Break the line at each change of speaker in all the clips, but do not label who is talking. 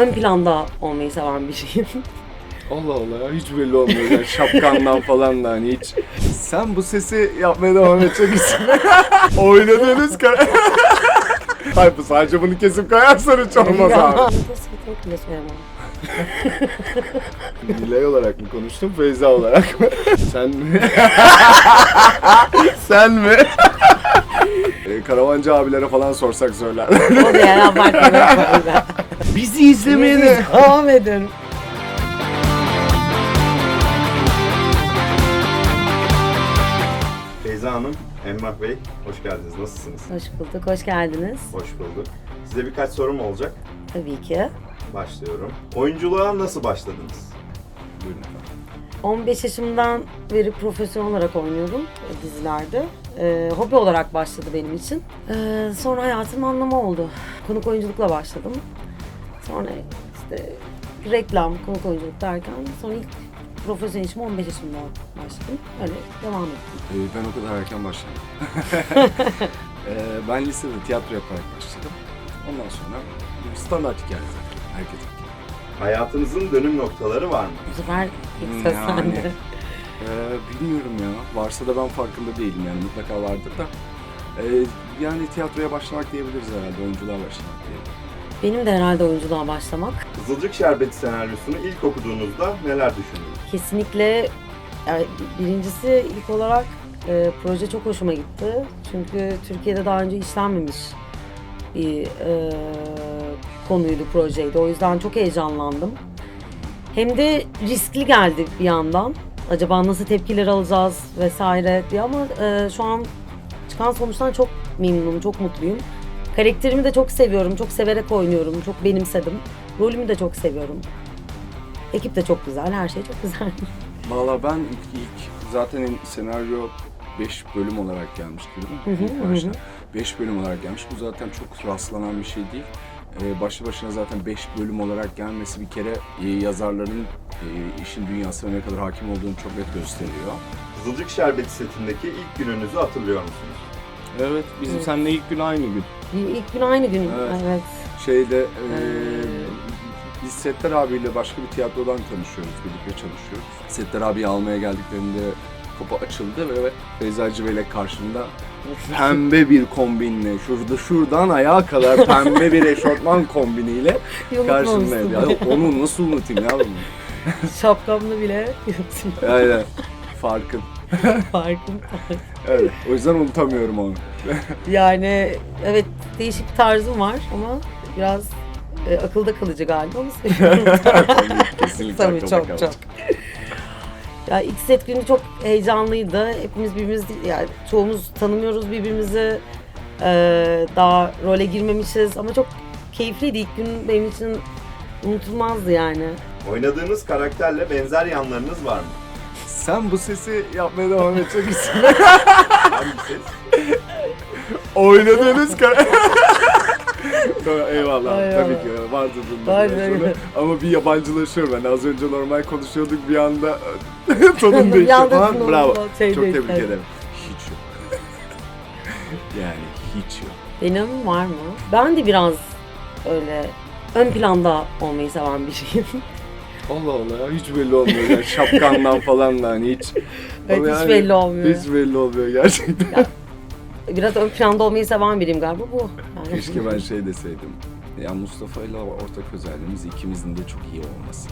ön planda olmayı seven biriyim.
Allah Allah ya, hiç belli olmuyor yani şapkandan falan da hani hiç. Sen bu sesi yapmaya devam edecek misin? Oynadığınız Hayır, bu sadece bunu kesip koyarsan hiç olmaz abi.
Kesinlikle söylemem.
Nilay olarak mı konuştun, Feyza olarak mı? Sen mi? Sen mi? Karavancı abilere falan sorsak söyler.
O da yalan farkında.
Bizi izlemeye de
devam edin.
Feyza Hanım, Emrah Bey, hoş geldiniz. Nasılsınız?
Hoş bulduk, hoş geldiniz.
Hoş bulduk. Size birkaç sorum olacak.
Tabii ki.
Başlıyorum. Oyunculuğa nasıl başladınız?
Buyurun efendim.
15 yaşımdan beri profesyonel olarak oynuyorum dizilerde. Hobi olarak başladı benim için. Sonra hayatımın anlamı oldu. Konuk oyunculukla başladım. Sonra işte reklam, konuk oyunculuk derken sonra ilk profesyonel işime 15 yaşımda başladım. Öyle devam ettim.
Ben o kadar erken başladım. Ben lisede tiyatro yaparak başladım. Ondan sonra standart hikaye zaten. Herkesin.
Hayatınızın dönüm noktaları var mı?
Bu sefer ilk söz
Yani.
sende.
Bilmiyorum ya. Varsa da ben farkında değilim yani, mutlaka vardır da. Yani tiyatroya başlamak diyebiliriz herhalde, oyunculuğa başlamak diyebiliriz.
Benim de herhalde oyunculuğa başlamak.
Kızılcık Şerbeti senaryosunu ilk okuduğunuzda neler düşündünüz?
Kesinlikle yani birincisi ilk olarak proje çok hoşuma gitti. Çünkü Türkiye'de daha önce işlenmemiş bir konuydu, projeydi. O yüzden çok heyecanlandım. Hem de riskli geldi bir yandan. Acaba nasıl tepkiler alacağız vesaire diye ama şu an çıkan sonuçtan çok memnunum, çok mutluyum. Karakterimi de çok seviyorum, çok severek oynuyorum, çok benimsedim. Rolümü de çok seviyorum. Ekip de çok güzel, her şey çok güzel.
Valla ben ilk zaten senaryo 5 bölüm olarak gelmişti değil mi? İlk başta. 5 bölüm olarak gelmiş. Bu zaten çok rastlanan bir şey değil. Başlı başına zaten 5 bölüm olarak gelmesi bir kere yazarların işin dünyasına ne kadar hakim olduğunu çok net gösteriyor.
Kızılcık Şerbeti setindeki ilk gününüzü hatırlıyor musunuz?
Evet, bizim
Evet.
seninle ilk gün aynı gün.
İlk gün aynı gün,
Evet.
evet.
Şeyde biz Settar abiyle başka bir tiyatrodan tanışıyoruz, birlikte çalışıyoruz. Settar abiyi almaya geldiklerinde kapı açıldı ve Feyza Civelek karşımda pembe bir kombinle, şuradan ayağa kadar pembe bir eşortman kombiniyle karşımdaydı. Ya onu nasıl unutayım ya bunu?
Şapkamla bile yuttum.
Aynen, farkın.
Farkım.
Evet, o yüzden unutamıyorum onu.
Yani evet, değişik bir tarzım var ama biraz akılda kalıcı galiba, onu söylüyorum.
Kesinlikle
Tabii,
akılda
çok
kalacak.
çok. Ya ilk set günü çok heyecanlıydı. Hepimiz birbirimizi, yani çoğumuz tanımıyoruz birbirimizi. Daha role girmemişiz ama çok keyifliydi. İlk gün benim için unutulmazdı yani.
Oynadığınız karakterle benzer yanlarınız var mı?
Sen bu sesi yapmaya devam edecek misin?
Hangi ses?
Oynadığınız Tamam, eyvallah.
Ay,
Tabii
ay.
ki vardı bunda
Aynen
biraz sonra.
öyle.
Ama bir yabancılaşıyorum ben. Az önce normal konuşuyorduk, bir anda tonun
Bir
değişti
anda
falan.
tonun
Bravo.
şey
Çok
değişti.
tebrik ederim. Hiç yok. Yani hiç yok.
Benim var mı? Ben de biraz öyle ön planda olmayı seven biriyim.
Allah Allah ya, hiç belli olmuyor yani şapkandan falan da hani hiç.
Evet,
Ama
hiç
yani
belli olmuyor.
Hiç belli olmuyor gerçekten.
Biraz ön planda olmayı seven biriyim galiba bu. Yani.
Keşke ben şey deseydim. Ya Mustafa ile ortak özelliğimiz ikimizin de çok iyi olması.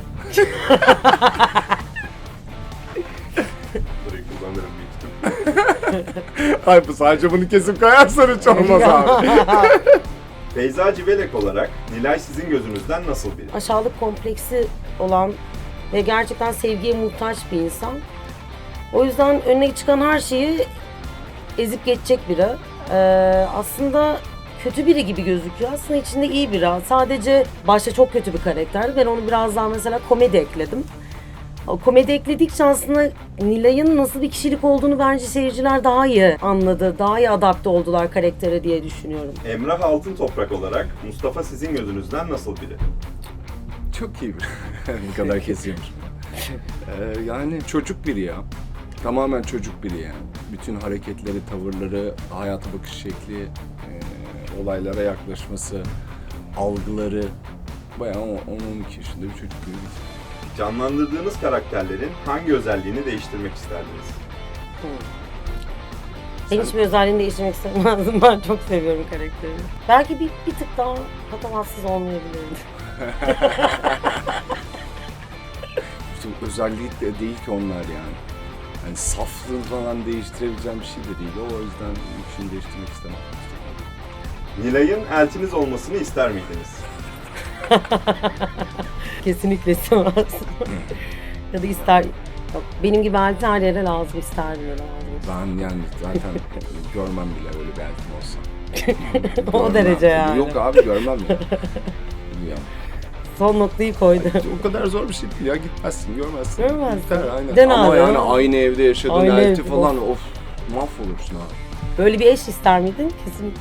Burayı kullanırım büyük ihtimalle.
Hayır, bu sadece bunu kesip koyarsan hiç olmaz abi.
Feyza Civelek olarak Nilay sizin gözünüzden nasıl biri?
Aşağılık kompleksi olan ve gerçekten sevgiye muhtaç bir insan. O yüzden önüne çıkan her şeyi ezip geçecek biri. Aslında kötü biri gibi gözüküyor. Aslında içinde iyi biri. Sadece başta çok kötü bir karakterdi. Ben onu biraz daha mesela komedi ekledim. O komedi ekledikçe aslında Nilay'ın nasıl bir kişilik olduğunu bence seyirciler daha iyi anladı. Daha iyi adapte oldular karaktere diye düşünüyorum.
Emrah Altın Toprak olarak Mustafa sizin gözünüzden nasıl biri?
Çok iyi bir. Bu kadar kesiyormuş. Yani çocuk biri ya. Tamamen çocuk biri yani. Bütün hareketleri, tavırları, hayata bakış şekli, olaylara yaklaşması, algıları bayağı 10-12 yaşında bir çocuk gibi.
Canlandırdığınız karakterlerin hangi özelliğini değiştirmek isterdiniz?
Ben hiçbir özelliğini değiştirmek istemezdim. Ben çok seviyorum karakterimi. Belki bir tık daha patavatsız olmayabilirdi.
İşte özelliği de değil ki onlar yani. Yani saflığını falan değiştirebileceğim bir şey de değil. O yüzden bir şeyini değiştirmek istemem.
Nilay'ın eltiniz olmasını ister miydiniz?
Kesinlikle istemezdim. Ya da ister... Yok, benim gibi elti her yere lazım, isterdim ya lazım.
Ben yani zaten görmem bile öyle bir eltim olsa.
O
Görmem.
derece yani.
Yok abi görmem ya. Ya.
Son noktayı koydu.
O kadar zor bir şey değil ya, gitmezsin, görmezsin.
Görmezsin.
Biter, aynen.
Den
Ama
abi.
yani aynı evde yaşadığın
Aynı
elti
evde,
falan of mahvolursun abi.
Böyle bir eş ister miydin? Kesin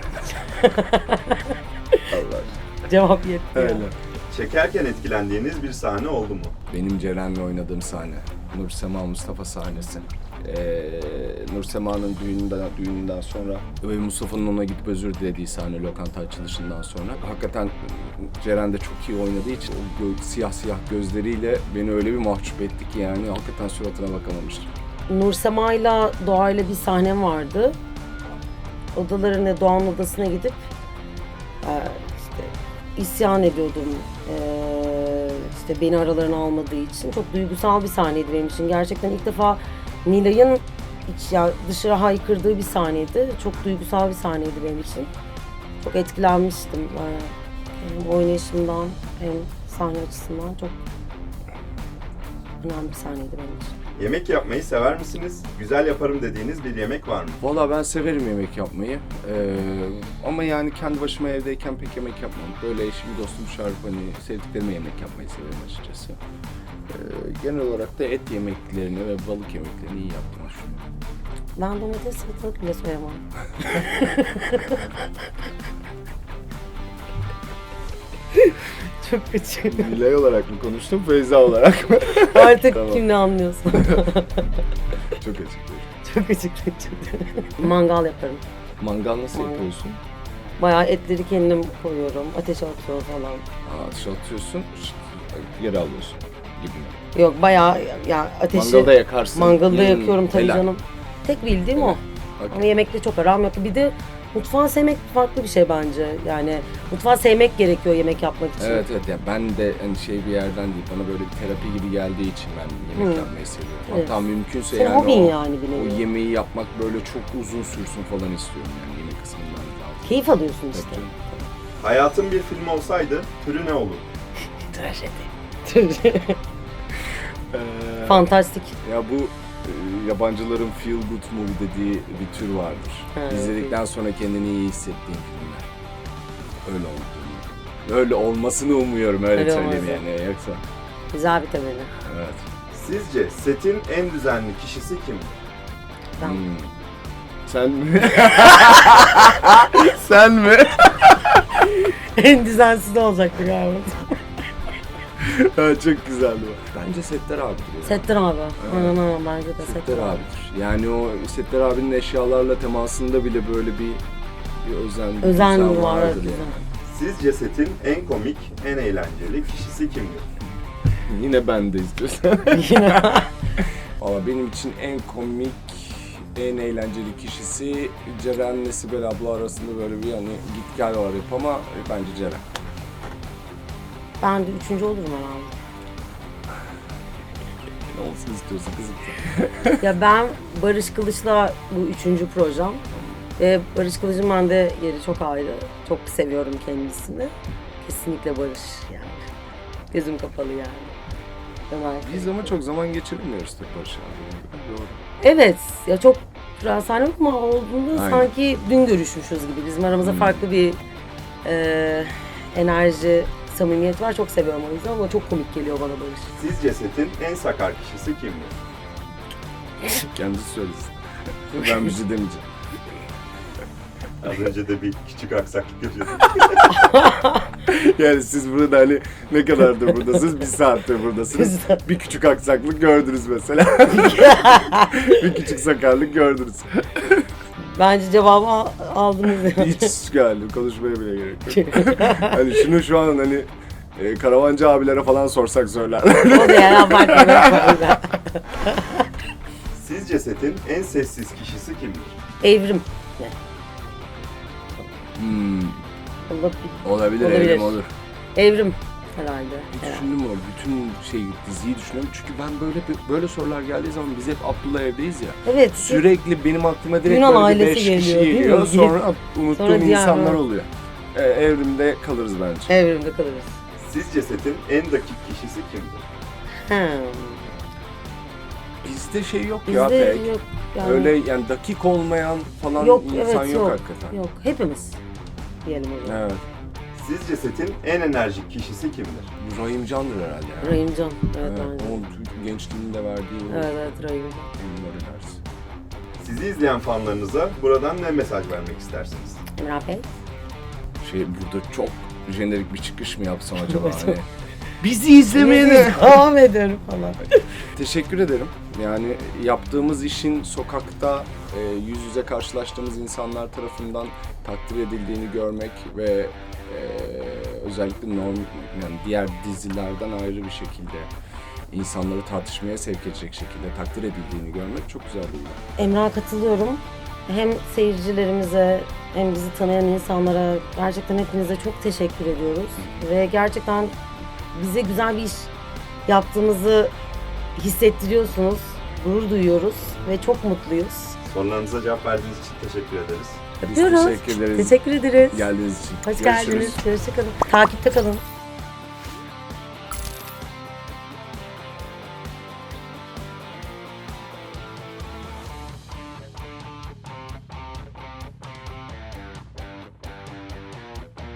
Allah.
cevap yetti.
Öyle.
Çekerken etkilendiğiniz bir sahne oldu mu?
Benim Ceren'le oynadığım sahne. Nursema Mustafa sahnesi. Nursema'nın düğününden sonra ve Mustafa'nın ona gidip özür dilediği sahne lokanta açılışından sonra. Hakikaten Ceren de çok iyi oynadığı için o siyah gözleriyle beni öyle bir mahcup etti ki yani hakikaten suratına bakamamıştım.
Nursema'yla Doğa'yla bir sahnem vardı. Odalarına, Doğan'ın odasına gidip işte isyan ediyordum. İşte beni aralarına almadığı için. Çok duygusal bir sahneydi benim için. Gerçekten ilk defa Nilay'ın dışarı haykırdığı bir sahneydi. Çok duygusal bir sahneydi benim için. Çok etkilenmiştim. Hem oynayışımdan hem sahne açısından çok önemli bir sahneydi benim için.
Yemek yapmayı sever misiniz? Güzel yaparım dediğiniz bir yemek var mı?
Valla ben severim yemek yapmayı. Ama yani kendi başıma evdeyken pek yemek yapmam. Böyle eşim, dostum çağırıp hani sevdiklerime yemek yapmayı severim açıkçası. Genel olarak da et yemeklerini ve balık yemeklerini iyi yaptığımı düşünüyorum.
Ben domates salatalık bile soyamam. Çok küçük.
Nilay olarak mı konuştum, Feyza olarak mı?
Artık
Tamam.
kim ne anlıyorsa.
Çok açıklayayım.
Çok açık. Mangal yaparım.
Mangal nasıl
Mangal.
yapıyorsun?
Bayağı etleri kendim koyuyorum. Ateşe atıyorum falan.
Ateş atıyorsun, geri alıyorsun gibi mi?
Yok bayağı ya ateşi...
Mangalda yakarsın.
Mangalda yakıyorum tabii
helal.
canım. Tek bildiğim o.
Okay.
Ama yemekte çok aram yok. Bir de mutfağı sevmek farklı bir şey bence. Yani mutfağı sevmek gerekiyor yemek yapmak için.
Evet yani ben de hani bir yerden değil, bana böyle bir terapi gibi geldiği için ben yemek yapmayı seviyorum.
Evet.
Hatta mümkünse
Senin
yani
hobin
o,
yani bir nevi.
o yemeği yapmak böyle çok uzun sürsün falan istiyorum yani yemek kısmından zaten.
Keyif alıyorsun
Tabii
işte.
canım.
Hayatın bir film olsaydı türü ne olur?
Trajedi. Fantastik.
Ya bu yabancıların feel good movie dediği bir tür vardır.
Evet.
İzledikten sonra kendini iyi hissettiğin filmler. Öyle oldu. Öyle olmasını umuyorum, öyle
Öyle
söyleyeyim
olmaz.
yani yoksa.
Güzel bir temeli.
Evet.
Sizce setin en düzenli kişisi kimdir?
Ben.
Sen mi? Sen mi?
En düzensiz olacaktı galiba.
Çok güzeldi bu. Bence Settar abidir ya.
Settar abi. Aynen bence de
Settar abidir. Yani o Settar abinin eşyalarla temasında bile böyle bir özen
Özen var.
vardır
Güzel.
yani.
Sizce setin en komik, en eğlenceli kişisi kimdir?
Yine ben de istiyorsan. Valla benim için en komik, en eğlenceli kişisi Ceren'le Sibel abla arasında böyle bir hani git gel var hep ama bence Ceren.
Ben de 3. olurum herhalde.
Ne olsun istiyorsun kızım?
Ya ben Barış Kılıç'la bu 3. projem. Ve Barış Kılıç'ın bende yeri çok ayrı. Çok seviyorum kendisini. Kesinlikle Barış yani. Gözüm kapalı yani. Ömer.
Biz ama çok zaman geçirmiyoruz tek Barış abi. Doğru.
Evet. Ya çok sahne okuma olduğunda
Aynen.
sanki dün görüşmüşüz gibi. Bizim aramızda farklı bir enerji, samimiyet var. Çok seviyorum o yüzden ama çok komik geliyor bana Barış.
Sizce setin en sakar kişisi kimdir?
Kendisi söylesin. Ben bir şey demeyeceğim.
Az önce de bir küçük aksaklık yaşadık.
Yani siz burada hani ne kadardır buradasınız? 1 saattir buradasınız. Bir küçük aksaklık gördünüz mesela. Bir küçük sakarlık gördünüz.
Bence cevabı aldınız yani.
Hiç galiba konuşmaya bile gerek yok. Hani şunu şu an hani Karavancı abilere falan sorsak söyler.
O da yani abartmadan.
Sizce setin en sessiz kişisi kimdir?
Evrim. Ne? Olabilir.
Olabilir,
Olabilir.
Evrim olur.
Evrim herhalde.
Bir
herhalde.
düşündüm o, bütün diziyi düşünüyorum. Çünkü ben böyle sorular geldiği zaman biz hep Abdullah evdeyiz ya.
Evet.
Sürekli benim aklıma direkt
Yunan
böyle bir
ailesi
5 kişi
geliyor, değil mi?
geliyor. Sonra unuttuğum
Sonra diğer-
insanlar oluyor. Evrimde kalırız bence.
Evrimde kalırız.
Sizce setin en dakik kişisi kimdir?
Bizde şey yok ya
Bizde
pek.
yok. Yani,
Öyle yani dakik olmayan falan
yok,
insan
evet,
yok hakikaten.
Yok. Hepimiz diyelim o zaman.
Evet.
Sizce setin en enerjik kişisi kimdir?
Rahim Can'dır herhalde ya.
Rahimcan. Evet,
Evet,
bence.
onun gençliğinde verdiği o
Evet, Rahimcan.
oyunlar enerjisi.
Sizi izleyen fanlarınıza buradan ne mesaj vermek istersiniz?
Emrah Bey.
Burada çok jenerik bir çıkış mı yapsam acaba?
Evet.
Hani, bizi izlemeye de.
Devam ederim falan.
Teşekkür ederim. Yani yaptığımız işin sokakta yüz yüze karşılaştığımız insanlar tarafından takdir edildiğini görmek ve özellikle yani diğer dizilerden ayrı bir şekilde insanları tartışmaya sevk edecek şekilde takdir edildiğini görmek çok güzel bir şey.
Emrah'a katılıyorum. Hem seyircilerimize hem bizi tanıyan insanlara gerçekten hepinize çok teşekkür ediyoruz. Ve gerçekten bize güzel bir iş yaptığımızı hissettiriyorsunuz. Gurur duyuyoruz ve çok mutluyuz.
Sorularınıza cevap verdiğiniz için teşekkür ederiz.
Biz
Öpüyoruz.
teşekkür ederiz.
Teşekkür ederiz.
Geldiğiniz için.
Hoş
Görüşürüz.
geldiniz. Hoşça kalın. Takipte kalın.